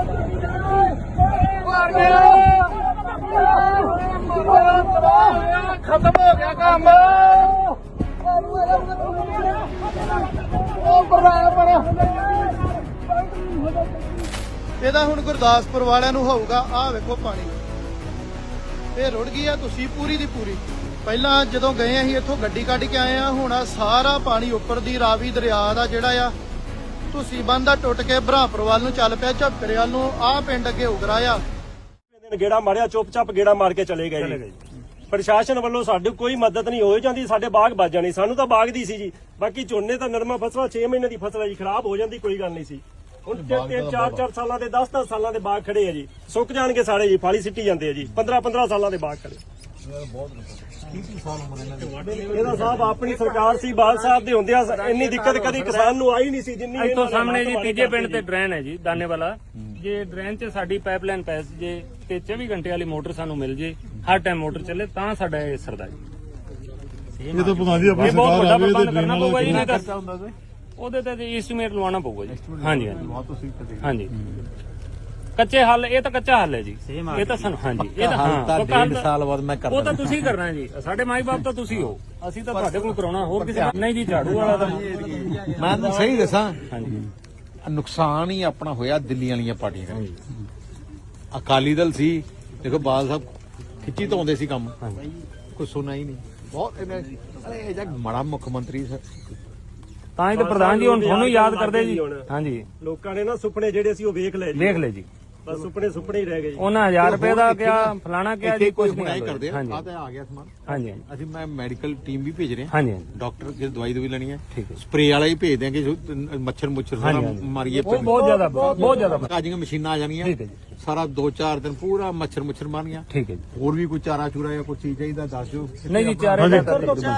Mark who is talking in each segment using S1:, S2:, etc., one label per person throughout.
S1: खत्म हो गया काम।
S2: ਇਹਦਾ ਹੁਣ ਗੁਰਦਾਸਪੁਰ ਵਾਲਿਆਂ ਨੂੰ ਹੋਊਗਾ। ਆਹ ਵੇਖੋ ਪਾਣੀ ਇਹ ਰੁੜ ਗਈ ਆ ਤੁਸੀਂ ਪੂਰੀ ਦੀ ਪੂਰੀ। ਪਹਿਲਾਂ ਜਦੋਂ ਗਏ ਅਸੀਂ ਇੱਥੋਂ ਗੱਡੀ ਕੱਢ ਕੇ ਆਏ ਆ, ਹੁਣ ਆ ਸਾਰਾ ਪਾਣੀ ਉੱਪਰ ਦੀ ਰਾਵੀ ਦਰਿਆ ਦਾ ਜਿਹੜਾ ਆ ਤੁਸੀਂ ਬੰਦ ਦਾ ਟੁੱਟ ਕੇ ਬਰਾਂਪੁਰ ਵੱਲ ਨੂੰ ਚੱਲ ਪਿਆ, ਝੱਪਰੇ ਵੱਲ ਨੂੰ। ਆਹ ਪਿੰਡ ਅੱਗੇ ਉਗਰਾ ਆ।
S3: ਗੇੜਾ ਮਾਰਿਆ, ਚੁੱਪ-ਚਾਪ ਗੇੜਾ ਮਾਰ ਕੇ ਚਲੇ ਗਏ ਜੀ। ਪ੍ਰਸ਼ਾਸਨ ਵੱਲੋਂ ਸਾਡੀ ਕੋਈ ਮਦਦ ਨਹੀਂ ਹੋਈ ਜਾਂਦੀ। ਸਾਡੇ ਬਾਗ ਵੱਜ ਜਾਣੀ, ਸਾਨੂੰ ਤਾਂ ਬਾਗ ਦੀ ਸੀ ਜੀ। ਬਾਕੀ ਝੋਨੇ ਤਾਂ ਨਰਮਾ ਫਸਲਾਂ 6 ਮਹੀਨੇ ਦੀ ਫਸਲ ਹੈ ਜੀ, ਖਰਾਬ ਹੋ ਜਾਂਦੀ ਕੋਈ ਗੱਲ ਨਹੀਂ ਸੀ। ਹੁਣ 3-4 ਸਾਲਾਂ ਦੇ 10-10 ਸਾਲਾਂ ਦੇ ਬਾਗ ਖੜੇ ਆ ਜੀ, ਸੁੱਕ ਜਾਣਗੇ ਸਾਰੇ ਜੀ, ਫਾਲੀ ਸਿੱਟੀ ਜਾਂਦੇ ਆ ਜੀ। 15-15 ਸਾਲਾਂ ਦੇ ਬਾਗ ਖੜੇ। ਇਹਦਾ ਸਾਹਿਬ ਆਪਣੀ ਸਰਕਾਰ ਸੀ, ਬਾਲ ਸਾਹਿਬ ਦੇ ਹੁੰਦਿਆਂ ਇੰਨੀ ਦਿੱਕਤ ਕਦੀ ਕਿਸਾਨ ਨੂੰ ਆਈ ਨਹੀਂ ਸੀ ਜਿੰਨੀ।
S4: ਇੱਥੋਂ ਸਾਹਮਣੇ ਜੀ ਤੀਜੇ ਪਿੰਡ ਤੇ ਡਰੇਨ ਹੈ ਜੀ, ਦਾਨੇ ਵਾਲਾ। ਜੇ ਡਰੇਨ 'ਚ ਸਾਡੀ ਪਾਈਪਲਾਈਨ ਪੈ ਜੇ ਤੇ 24 ਘੰਟੇ ਵਾਲੀ ਮੋਟਰ ਸਾਨੂੰ ਮਿਲ ਜੇ, ਹਰ ਟਾਈਮ ਮੋਟਰ ਚੱਲੇ, ਤਾਂ ਸਾਡਾ ਇਹ ਸਰਦਾ ਜੀ।
S5: ਇਹ ਤਾਂ ਪਤਾ ਨਹੀਂ ਆਪਣੀ
S4: ਇਹ ਬਹੁਤ
S5: ਸਰਕਾਰ
S4: ਵੱਡਾ
S5: ਆਵੇ
S4: ਪ੍ਰਬੰਧ
S5: ਤੇ
S4: ਕਰਨਾ ਪਊਗਾ ਜੀ। ਨਹੀਂ ਤਾਂ ਉਹਦੇ ਤੇ ਐਸਟੀਮੇਟ ਲਵਾਉਣਾ ਪਊਗਾ ਜੀ। ਹਾਂਜੀ ਹਾਂਜੀ ਕੱਚੇ ਹੱਲ, ਇਹ ਤਾਂ ਕੱਚਾ ਹੱਲ ਹੈ ਜੀ। ਇਹ ਤਾਂ ਸਾਨੂੰ ਹਾਂਜੀ ਇਹ ਤਾਂ ਹਾਂ 1.5 ਸਾਲ ਬਾਅਦ ਮੈਂ ਕਰਦਾ। ਉਹ ਤਾਂ ਤੁਸੀਂ ਕਰਨਾ ਹੈ ਜੀ, ਸਾਡੇ ਮਾਈ ਬਾਪ ਤਾਂ ਤੁਸੀਂ ਹੋ, ਅਸੀਂ ਤਾਂ ਤੁਹਾਡੇ ਕੋਲ ਕਰਾਉਣਾ, ਹੋਰ ਕਿਸੇ ਨਹੀਂ ਜੀ। ਝਾੜੂ ਵਾਲਾ ਤਾਂ
S6: ਮੈਂ ਤਾਂ ਸਹੀ ਦੱਸਾਂ, ਹਾਂਜੀ ਨੁਕਸਾਨ ਹੀ ਆਪਣਾ ਹੋਇਆ ਦਿੱਲੀ ਵਾਲੀਆਂ ਪਾਰਟੀਆਂ ਦਾ। ਅਕਾਲੀ ਦਲ ਸੀ, ਦੇਖੋ ਬਾਲ ਸਾਹਿਬ ਖਿੱਚੀ ਧਾਉਂਦੇ ਸੀ ਕੰਮ, ਕੋਈ ਸੁਣਾ ਹੀ ਨਹੀਂ। ਬਹੁਤ ਇਹ ਜਗ ਮਾੜਾ ਮੁੱਖ ਮੰਤਰੀ ਸਰ,
S4: ਤਾਂ ਹੀ ਤਾਂ ਪ੍ਰਧਾਨ ਜੀ ਹੁਣ ਤੁਹਾਨੂੰ ਯਾਦ ਕਰਦੇ ਜੀ। ਹਾਂਜੀ
S3: ਲੋਕਾਂ ਨੇ ਨਾ ਸੁਪਨੇ ਜਿਹੜੇ ਸੀ ਉਹ ਵੇਖ ਲਏ ਜੀ,
S4: ਵੇਖ ਲੈ ਜੀ।
S3: ਬਸ ਸੁਪਨੇ ਹੀ ਰਹਿ ਗਏ ਜੀ।
S4: ਉਹਨਾਂ 1000 ਰੁਪਏ ਦਾ ਕਿਹਾ, ਫਲਾਣਾ ਕਿਹਾ ਜੀ, ਕੁਝ ਨਹੀਂ
S6: ਕਰਦੇ।
S4: ਹਾਂਜੀ
S6: ਆ ਤਾਂ ਆ ਗਿਆ ਸਮਾਨ।
S4: ਹਾਂਜੀ
S6: ਅਸੀਂ ਮੈਂ ਮੈਡੀਕਲ ਟੀਮ ਵੀ ਭੇਜ ਰਹੇ ਹਾਂ।
S4: ਹਾਂਜੀ
S6: ਡਾਕਟਰ ਜੇ ਦਵਾਈ ਲੈਣੀ ਹੈ,
S4: ਠੀਕ ਹੈ।
S6: ਸਪਰੇ ਵਾਲਾ ਹੀ ਭੇਜ ਦਿਆਂਗੇ ਜੋ ਮੱਛਰ ਸਾਰਾ ਮਾਰੀਏ।
S4: ਉਹ ਬਹੁਤ ਜ਼ਿਆਦਾ
S6: ਕਾਜੀਆਂ ਮਸ਼ੀਨਾਂ ਆ ਜਾਣੀਆਂ,
S4: ਠੀਕ ਹੈ ਜੀ।
S6: ਸਾਰਾ 2-4 ਦਿਨ ਪੂਰਾ ਮੱਛਰ ਮਾਰਨੀਆਂ।
S4: ਠੀਕ ਹੈ ਜੀ।
S6: ਹੋਰ ਵੀ ਕੋਈ ਚਾਰਾ ਚੂਰਾ ਜਾਂ ਕੋਈ ਚੀਜ਼ ਚਾਹੀਦਾ ਦੱਸ ਦਿਓ।
S4: ਨਹੀਂ ਜੀ ਚਾਰੇ
S5: ਮੈਂ ਦੇਖਣਾ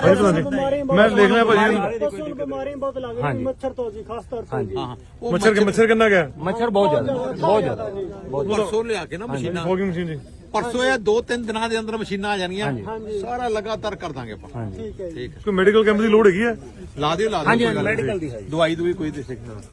S5: ਭਾਜੀ
S1: ਬਿਮਾਰੀ ਬਹੁਤ ਲੱਗ ਰਹੀ ਮੱਛਰ ਤੋਂ ਜੀ, ਖਾਸ ਤੌਰ ਤੇ।
S6: ਹਾਂ
S5: ਮੱਛਰ ਕਿੰਨਾ ਗਿਆ?
S4: ਮੱਛਰ ਬਹੁਤ ਜ਼ਿਆਦਾ
S6: ਪਰਸੋਂ ਲਿਆ ਕੇ ਨਾ ਮਸ਼ੀਨਾਂ,
S5: ਫੋਗਿੰਗ ਮਸ਼ੀਨ ਜੀ
S6: ਪਰਸੋਂ ਇਹ 2-3 ਦਿਨਾਂ ਦੇ ਅੰਦਰ ਮਸ਼ੀਨਾਂ ਆ ਜਾਣੀਆਂ। ਸਾਰਾ ਲਗਾਤਾਰ ਕਰ ਦਾਂਗੇ ਆਪਾਂ।
S4: ਠੀਕ ਹੈ।
S6: ਠੀਕ ਹੈ।
S5: ਕੋਈ ਮੈਡੀਕਲ ਕੈਂਪ ਦੀ ਲੋੜ ਹੈਗੀ ਹੈ?
S6: ਲਾ ਦਿਓ
S4: ਹਾਂਜੀ ਮੈਡੀਕਲ ਦੀ ਹੈ
S6: ਦਵਾਈ ਕੋਈ ਦੇ ਸਕਦੇ।